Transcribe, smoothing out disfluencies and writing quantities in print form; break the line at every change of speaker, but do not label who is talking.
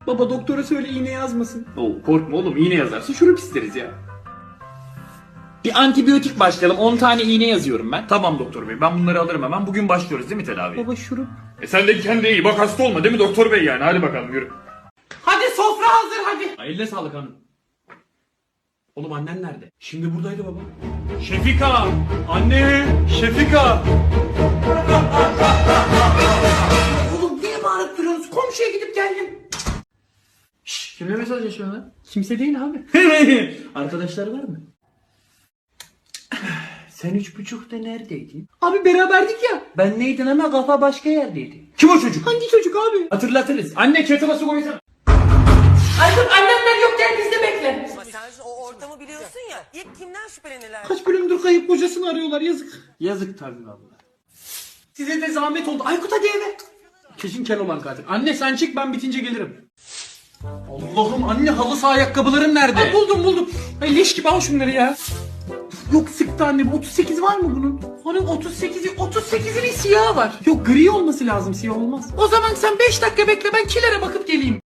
Baba doktora söyle iğne yazmasın.
Oo, korkma oğlum, iğne yazarsa şurup isteriz ya. Bir antibiyotik başlayalım. 10 tane iğne yazıyorum ben. Tamam doktor bey, ben bunları alırım hemen. Bugün başlıyoruz değil mi tedaviye?
Baba şurup.
Sen de kendine iyi bak, hasta olma değil mi doktor bey yani? Hadi bakalım yürü.
Hadi sofra hazır hadi.
Eline sağlık hanım. Oğlum annen nerede? Şimdi buradaydı baba. Şefika! Anne! Şefika!
Oğlum niye bağırıp duruyorsunuz? Komşuya gidip geldim.
Şşş, kimle mesajlaşıyorsun lan?
Kimse değil abi.
Arkadaşları var mı? Sen 3.30'da neredeydin?
Abi beraberdik ya.
Ben neydin ama kafa başka yerdeydi. Kim o çocuk?
Hangi çocuk abi?
Hatırlatırız. Anne kettle'a su koysana.
Aykut annemler yokken biz de bekle.
Ama sen o ortamı biliyorsun ya. İlk kimden şüphelenirler?
Kaç bölümdür kayıp kocasını arıyorlar yazık.
Yazık tabii valla.
Size de zahmet oldu. Aykut hadi eve. Kesin Keloğlan katil. Anne sen çık ben bitince gelirim.
Allah'ım anne, halı saha ayakkabıların nerede?
Ay buldum. Ay leş gibi al şunları ya. Yok sıktı annem. 38 var mı bunun? Onun 38'inin siyahı var. Yok gri olması lazım, siyah olmaz. O zaman sen 5 dakika bekle, ben kilere bakıp geleyim.